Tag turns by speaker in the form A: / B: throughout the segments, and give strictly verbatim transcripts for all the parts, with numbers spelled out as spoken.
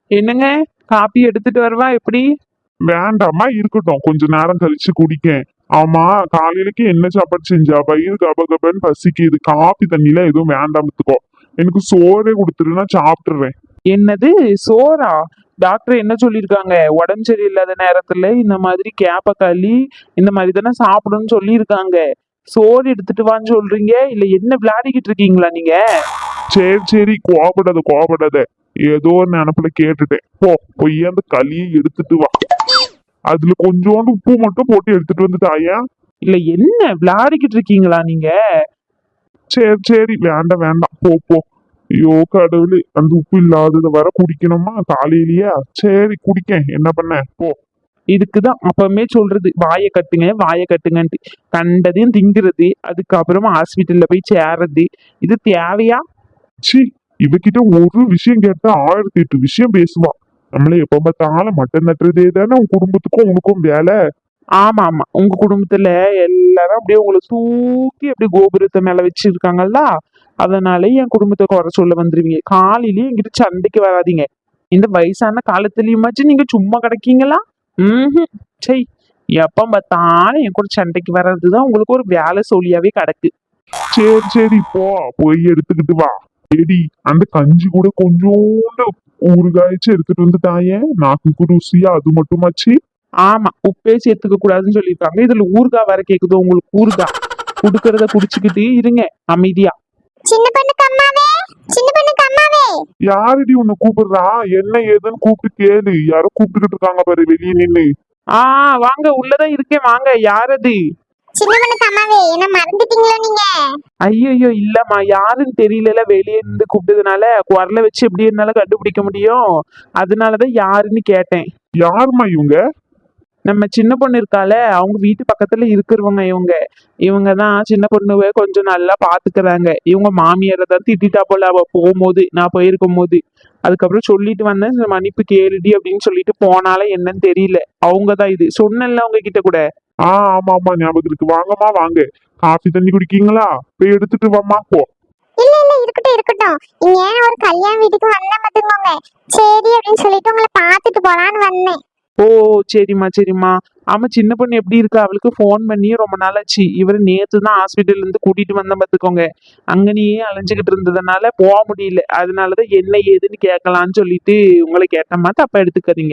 A: என்னங்க, காப்பி எடுத்துட்டு வரவா எப்படி?
B: வேண்டாமா, இருக்கட்டும், கொஞ்ச நேரம் கழிச்சு குடிக்கேன். ஆமா, காலையிலக்கு என்ன சாப்பாடு செஞ்சா? வயிறு கபகபன்னு பசிக்குது. காப்பி தண்ணில எதுவும் வேண்டாமத்துக்கோ. எனக்கு சோறே கொடுத்துருன்னா சாப்பிட்டுறேன்.
A: என்னது, சோறா? டாக்டர் என்ன சொல்லியிருக்காங்க? உடம்பு சரியில்லாத நேரத்துல இந்த மாதிரி கேப்ப களி இந்த மாதிரி தானே சாப்பிடணும்னு சொல்லியிருக்காங்க. சோறு எடுத்துட்டு வான்னு சொல்றீங்க, இல்ல என்ன விளையாடிக்கிட்டு இருக்கீங்களா நீங்க?
B: சரி சரி, கோபப்படாத கோபப்படாத. ஏதோ ஒரு நினப்புல கேட்டுட்டேன். போ, போய் அந்த களியை எடுத்துட்டு வா. அதுல கொஞ்சோண்டு உப்பு மட்டும் போட்டு எடுத்துட்டு வந்து தாயா.
A: இல்ல என்ன விளையாடிக்கிட்டு இருக்கீங்களா நீங்க?
B: சரி சரி, வேண்டாம் வேண்டாம், போ போ. ஐயோ கடவுளே, அந்த உப்பு இல்லாதத வர குடிக்கணுமா காலையிலயா? சரி குடிக்கேன், என்ன பண்ண, போ.
A: இதுக்குதான் அப்பவுமே சொல்றது, வாயை கட்டுங்க வாயை கட்டுங்கன்ட்டு. கண்டதையும் திங்கிறது, அதுக்கப்புறமா ஹாஸ்பிட்டல்ல போய் சேர்றது. இது தேவையா?
B: சி, இவகிட்ட ஒரு விஷயம் கேட்டா ஆயிரத்தி எட்டு விஷயம் பேசுவா. நம்மள எப்ப பார்த்தாலும் மட்டன் நட்டுறதே தானே உன் குடும்பத்துக்கும் உனக்கும் வேலை.
A: ஆமா ஆமா, உங்க குடும்பத்துல எல்லாரும் அப்படியே உங்களை தூக்கி அப்படியே கோபுரத்தை மேல வச்சிருக்காங்கல்ல, அதனால என் குடும்பத்தை குறை சொல்ல வந்துருவீங்க. காலையிலயே என்கிட்ட சண்டைக்கு வராதீங்க. இந்த வயசான காலத்துலயுமாச்சும் நீங்க சும்மா கிடைக்கீங்களா? ம். சை, எப்ப பார்த்தாலும் என் கூட சண்டைக்கு வர்றதுதான் உங்களுக்கு ஒரு வேலை சொல்லியாவே கிடக்கு.
B: சரி சரி, போ, போய் எடுத்துக்கிட்டு வா. ஏடி, அந்த கஞ்சி கூட கொஞ்சோண்டு ஊறுகாய்ச்சி எடுத்துட்டு வந்து தாயே, நாக்குக்கு ருசியா அது மட்டுமாச்சு.
A: ஆமா, உப்பே சேர்த்துக்க கூடாதுன்னு சொல்லியிருக்காங்க, இதுல ஊறுகாய் வேற கேக்குது உங்களுக்கு. ஊறுகாய் குடுக்கறத குடிச்சுக்கிட்டு இருங்க அமைதியா.
C: சின்ன பொண்ணுக்கு அம்மாவே, சின்ன பொண்ணுக்கு அம்மாவே.
B: யாருடி உன்னை கூப்பிடுறா? என்ன ஏதுன்னு கூப்பிட்டு கேளு. யாரோ கூப்பிட்டுக்கிட்டு இருக்காங்க பாரு வெளியே நின்னு.
A: ஆ, வாங்க, உள்ளதான் இருக்கேன், வாங்க. யாரது?
C: சின்ன பொண்ணுக்கு அம்மாவே, என்ன மறந்துட்டீங்களா நீங்க?
A: ஐயோ இல்லம்மா, யாருன்னு தெரியல, வெளியே இருந்து கூப்பிட்டதுனால குரலை வச்சு எப்படி என்னால கண்டுபிடிக்க முடியும், அதனாலதான் யாருன்னு கேட்டேன்.
B: யாரும்மா இவங்க?
A: நம்ம சின்ன பொண்ணு இருக்கால, அவங்க வீட்டு பக்கத்துல இருக்கிறவங்க இவங்க. இவங்க தான் சின்ன பொண்ணுவை கொஞ்சம் நல்லா பாத்துக்கிறாங்க. இவங்க மாமியாரை தான் திட்டா போல அவ போகும்போது, நான் போயிருக்கும் போது. அதுக்கப்புறம் சொல்லிட்டு வந்தேன், "இந்த மன்னிப்பு கேளுடி" அப்படின்னு சொல்லிட்டு போனால என்னன்னு தெரியல. அவங்கதான் இது சொன்னேன்ல அவங்க கிட்ட கூட.
B: ஆ, ஆமா ஆமா, ஞாபகம் இருக்கு. வாங்கம்மா வாங்க. காஃபி தண்ணி குடிக்கீங்களா? போய் எடுத்துட்டு வாம்மா, போ.
C: இல்ல இல்ல, இருக்கட்டும் இருக்கட்டும். நீங்க ஒரு கல்யாண வீட்டுக்கு வந்தா பாத்துக்கோங்க. சரி அப்படின்னு சொல்லிட்டு உங்களை பாத்துட்டு போலான்னு வந்தேன்.
A: ஓ, சரிம்மா சரிம்மா. ஆமா, சின்ன பொண்ணு எப்படி இருக்கா? அவளுக்கு ஃபோன் பண்ணி ரொம்ப நாளாச்சு. இவரு நேத்து தான் ஹாஸ்பிட்டல்ல இருந்து கூட்டிட்டு வந்தேன் பாத்துக்கோங்க. அங்கனையே அலைஞ்சுக்கிட்டு இருந்ததுனால போக முடியல. அதனாலதான் என்ன ஏதுன்னு கேட்கலான்னு சொல்லிட்டு உங்களை கேட்டமா, தப்பா எடுத்துக்காதீங்க.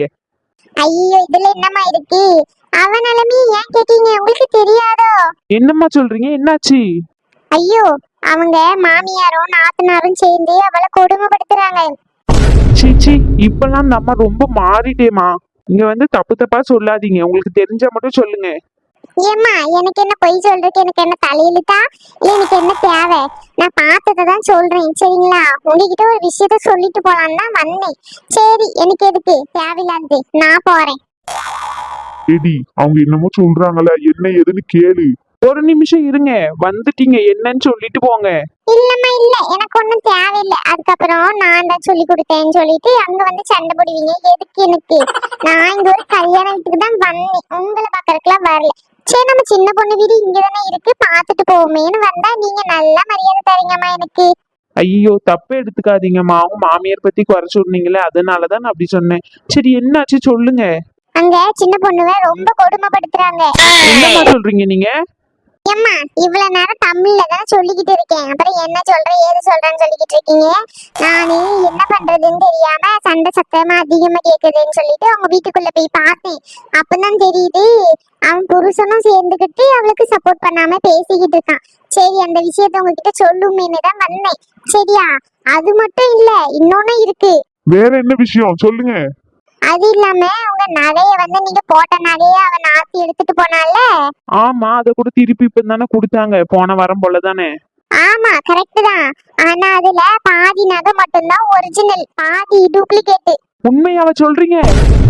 C: ஐயோ, இதுல என்னம்மா இருக்கு? அவ நிலைமையை ஏன் கேட்டீங்க? உங்களுக்கு தெரியாதோ?
A: என்னம்மா சொல்றீங்க? என்னாச்சு?
C: ஐயோ, அவங்க மாமியாரும் நாத்தனாரும் சேர்ந்து அவளை கொடுமைப்படுத்துறாங்க.
A: சீச்சி, இப்பெல்லாம் அந்த அம்மா ரொம்ப மாறிட்டேமா. இங்க வந்து தப்பு தப்பா சொல்லாதீங்க, உங்களுக்கு தெரிஞ்சா மட்டும் சொல்லுங்க.
C: ஏம்மா, எனக்கு என்ன பொய் சொல்றதுக்கு எனக்கு என்ன தலையெழுத்தா? இல்ல எனக்கு என்ன தேவை? நான் பார்த்ததை தான் சொல்றேன், சரிங்களா? உங்ககிட்ட ஒரு விஷயத்த சொல்லிட்டு போலான்னு தான் வந்தேன். சரி, எனக்கு எதுக்கு தேவையில்லாதது, நான் போறேன்.
B: ஏடி, அவங்க என்னமோ சொல்றாங்களே, என்ன ஏதுன்னு கேளு.
A: ஒரு நிமிஷம் இருங்க, வந்துட்டீங்க, என்னன்னு சொல்லிட்டு போங்க.
C: இல்லம்மா இல்ல, எனக்கு ஒண்ணும் தேவையில்லை. அதுக்கப்புறம் நான் தான் சொல்லி கொடுத்தேன்னு சொல்லிட்டு அங்க வந்து சண்டை போடுவீங்க. எதுக்கு எனக்கு? நான் இங்க ஒரு கல்யாண வீட்டுக்கு தான் வந்தேன், உங்களை பாக்கறதுக்குலாம் வரல. சரி, நம்ம சின்ன பொண்ணு வீடு இங்கதானே இருக்கு, பாத்துட்டு போவோமேன்னு வந்தா நீங்க நல்லா மரியாதை தரீங்கம்மா எனக்கு.
A: ஐயோ, தப்பே எடுத்துக்காதீங்கம்மா. அவங்க மாமியார் பத்தி குறை சொன்னீங்களே, அதனாலதான் நான் அப்படி சொன்னேன். சரி, என்னாச்சு சொல்லுங்க.
C: அங்க சின்ன பொண்ணுவ ரொம்ப கொடுமைப்படுத்துறாங்க.
A: என்னம்மா சொல்றீங்க நீங்க?
C: ஏம்மா, இவ்வளவு நேரம் தமிழ்ல தான் சொல்லிக்கிட்டு இருக்கேன், அப்புறம் என்ன சொல்ற ஏது சொல்றேன்னு சொல்லிக்கிட்டு இருக்கீங்க. நானு என்ன பண்றதுன்னு தெரியாம சண்டை சத்தமா அதிகமா கேக்குதுன்னு சொல்லிட்டு அவங்க வீட்டுக்குள்ள போய் பார்த்தேன். அப்பதான் தெரியுது அவன் புருஷனும் சேர்ந்துகிட்டு அவளுக்கு சப்போர்ட் பண்ணாம பேசிக்கிட்டு இருக்கான். சரி, அந்த விஷயத்த உங்ககிட்ட சொல்லுமேன்னு தான் வந்தேன். சரியா? அது மட்டும் இல்ல, இன்னொன்னு இருக்கு.
B: வேற என்ன விஷயம் சொல்லுங்க.
C: அது இல்லாம உங்க நகைய வந்து நீங்க போட்ட நகைய அவன் நாத்தி எடுத்துட்டு போனால.
A: ஆமா, அத கூட திருப்பி இப்ப தானே கொடுத்தாங்க, போன வாரம் போலதானே.
C: ஆமா, கரெக்ட் தான். ஆனா அதுல பாதி நகை மட்டும்தான் ஒரிஜினல், பாதி டூப்ளிகேட்.
A: உண்மையாவ சொல்றீங்க?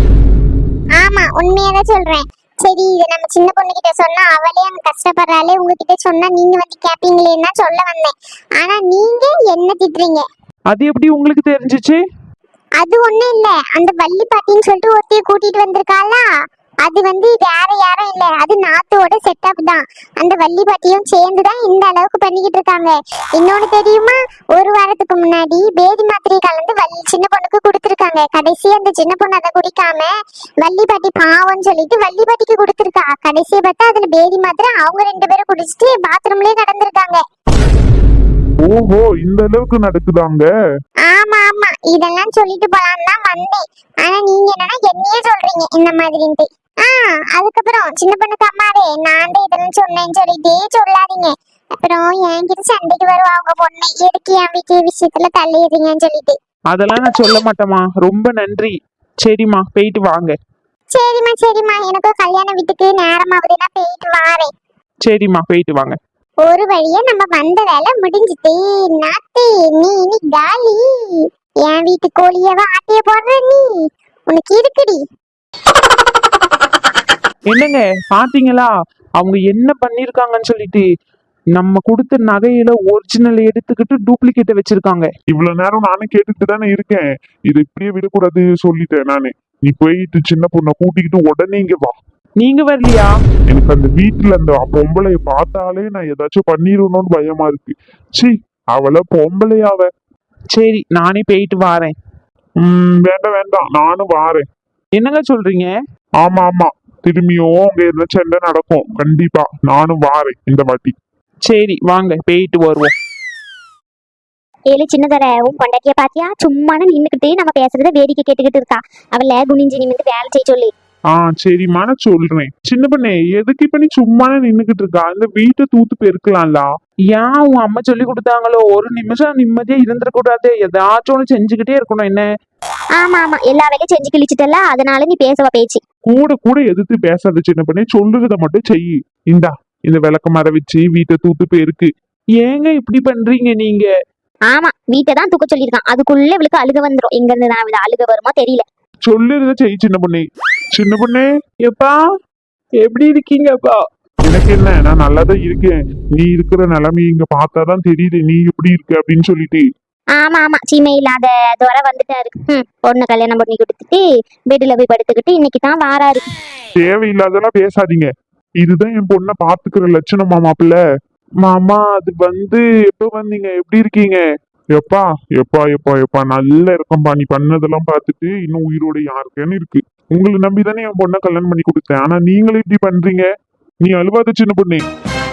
C: ஆமா, உண்மையாதான் சொல்றேன். சரி, இதை நம்ம சின்ன பொண்ணு கிட்ட சொன்னா அவளே அங்க கஷ்டப்படுறாளே, உங்ககிட்ட சொன்னா நீங்க வந்து கேப்பீங்களேன்னு தான் சொல்ல வந்தேன். ஆனா நீங்க என்ன திட்டுறீங்க?
A: அது எப்படி உங்களுக்கு தெரிஞ்சிச்சு?
C: அது ஒண்ணும் இல்ல, அந்த வள்ளி பாட்டின்னு சொல்லிட்டு ஒருத்தைய கூட்டிட்டு வந்திருக்காளா, அது வந்து வேற யாரும் இல்ல, அது நாத்தோட செட்டப் தான். அந்த வள்ளி பாட்டியும் சேர்ந்து தான் இந்த அளவுக்கு பண்ணிக்கிட்டு இருக்காங்க. இன்னொன்னு தெரியுமா, ஒரு வாரத்துக்கு முன்னாடி பேதி மாத்திரை கலந்து வள்ளி சின்ன பொண்ணுக்கு கொடுத்துருக்காங்க. கடைசி அந்த சின்ன பொண்ணு அதை குடிக்காம வள்ளி பாட்டி பாவம்னு சொல்லிட்டு வள்ளி பாட்டிக்கு கொடுத்துருக்கா. கடைசியை பார்த்தா அதுல பேதி மாத்திரை அவங்க ரெண்டு பேரும் குடிச்சிட்டு பாத்ரூம்லயே கடந்திருக்காங்க.
B: ஓஹோ, இந்த அளவுக்கு நடக்குதாங்க?
C: ஆமா ஆமா, இதெல்லாம் சொல்லிட்டு போலாம் தான் வந்தேன். ஆனா நீங்க என்னன்னா என்னையே சொல்றீங்க இந்த மாதிரின்ட்டு. ஆஹ் அதுக்கப்புறம் சின்ன பொண்ணுக்கு அம்மாவே நான் தான் இதெல்லாம் சொன்னேன்னு சொல்லிட்டே சொல்லாதீங்க. அப்புறம் என்கிட்ட சண்டைக்கு வருவா அவங்க பொண்ணு, எதுக்கு என் வீட்டு விஷயத்துல தள்ளிடுறீங்கன்னு சொல்லிட்டு.
A: அதெல்லாம் நான் சொல்ல மாட்டேம்மா, ரொம்ப நன்றி. சரிம்மா, போயிட்டு வாங்க.
C: சரிம்மா சரிம்மா, எனக்கும் கல்யாண வீட்டுக்கு நேரமாவது, நான் போயிட்டு வாரேன்.
A: சரிம்மா, போயிட்டு வாங்க.
C: ஒரு வழியா நம்ம வந்த வேலை முடிஞ்சுட்டு. நாத்து நீ இனி காலி. என் வீட்டு கோழியவா ஆட்டைய போடுற நீ, உனக்கு இருக்குடி.
A: என்னங்க பாத்தீங்களா அவங்க என்ன பண்ணிருக்காங்கன்னு சொல்லிட்டு? நம்ம கொடுத்த நகையில ஒரிஜினல் எடுத்துக்கிட்டு டூப்ளிகேட்டை வச்சிருக்காங்க.
B: இவ்வளவு நேரம் நானும் கேட்டுட்டு தானே இருக்கேன். இதை இப்படியே விடக்கூடாது சொல்லிட்டேன் நானு. நீ போயிட்டு சின்ன பொண்ணை கூட்டிக்கிட்டு உடனே இங்க வா.
A: நீங்க வரலையா?
B: எனக்கு அந்த வீட்டுல அந்த பொம்பளைய பார்த்தாலே நான் ஏதாச்சும் பண்ணிடணும்னு பயமா இருக்கு. சி, அவளை பொம்பளையாவ.
A: சரி, நானே போயிட்டு வாரேன்.
B: உம் வேண்டாம் வேண்டாம், நானும் வாரேன்.
A: என்னங்க சொல்றீங்க?
B: ஆமா ஆமா, திரும்பியும் அங்க என்ன சண்டை நடக்கும் கண்டிப்பா. நானும் வாரேன் இந்த வாட்டி.
A: சரி வாங்க, போயிட்டு வருவோம்.
D: ஏழு சின்னதர உன் பொண்டாட்டிய பாத்தியா, சும்மான நின்னுக்கிட்டு நம்ம பேசுறத வேடிக்கை கேட்டுக்கிட்டு இருக்கா. அவள குனிஞ்சு நிமிந்து வேலை செய்ய சொல்லு.
B: ஆ சரிம்மா, நான் சொல்றேன். சின்ன பண்ணே, எதுக்கு இப்ப நீ சும்மா நின்னுகிட்டு இருக்கா? இந்த வீட்டை தூத்து பெருக்கலாம்ல.
A: ஏன் உன் அம்மா சொல்லி கொடுத்தாங்களோ, ஒரு நிமிஷம் நிம்மதியா இருந்துடக்கூடாது, ஏதாச்சும் ஒண்ணு செஞ்சுக்கிட்டே இருக்கணும். என்ன?
D: ஆமா ஆமா, எல்லா வேலையும் செஞ்சு கிழிச்சிட்டல, அதனால நீ பேசவா பேச்சு.
B: கூட கூட எதிர்த்து பேசாத சின்ன பண்ணே, சொல்லுறத மட்டும் செய். இந்தா, இந்த விளக்க மர வச்சு வீட்டை தூத்து பெருக்கு.
A: ஏங்க இப்படி பண்றீங்க நீங்க?
D: ஆமா, வீட்டை தான் தூக்க சொல்லியிருக்கான். அதுக்குள்ள இவளுக்கு அழுக வந்துரும். எங்க இருந்து நான் இவள அழுக வருமோ தெரியல.
B: சொல்லுறத செய் சின்ன பண்ணே. சின்ன பண்ணே,
A: எப்பா எப்படி இருக்கீங்கப்பா?
B: எனக்கு என்ன, நான் நல்லாதான் இருக்கேன். நீ இருக்கிற நிலைமை இங்க பார்த்தாதான் தெரியுது நீ எப்படி இருக்க அப்படின்னு சொல்லிட்டு.
D: ஆமா ஆமா, சீமை இல்லாத துறை வந்துட்டாரு. ம், பொண்ணு கல்யாணம் பண்ணி கொடுத்துட்டு பெட்ல போய் படுத்துக்கிட்டு இன்னைக்கு தான் வாராரு.
B: தேவையில்லாதெல்லாம் பேசாதீங்க. இதுதான் என் பொண்ணை பாத்துக்கிற லட்சணமா மாப்பிள்ள?
A: மாமா, அது வந்து
B: எப்ப வந்தீங்க? எப்படி இருக்கீங்க? எப்பா எப்பா எப்பா எப்பா நல்லா இருக்கம்பா. நீ பண்ணதெல்லாம் பார்த்துட்டு இன்னும் உயிரோட யாருக்கேன்னு இருக்கு. உங்களை நம்பிதானே என் பொண்ணை கல்யாணம் பண்ணி கொடுத்தேன். ஆனா நீங்களே இப்படி பண்றீங்க. நீ அழுவாத சின்ன பொண்ணே.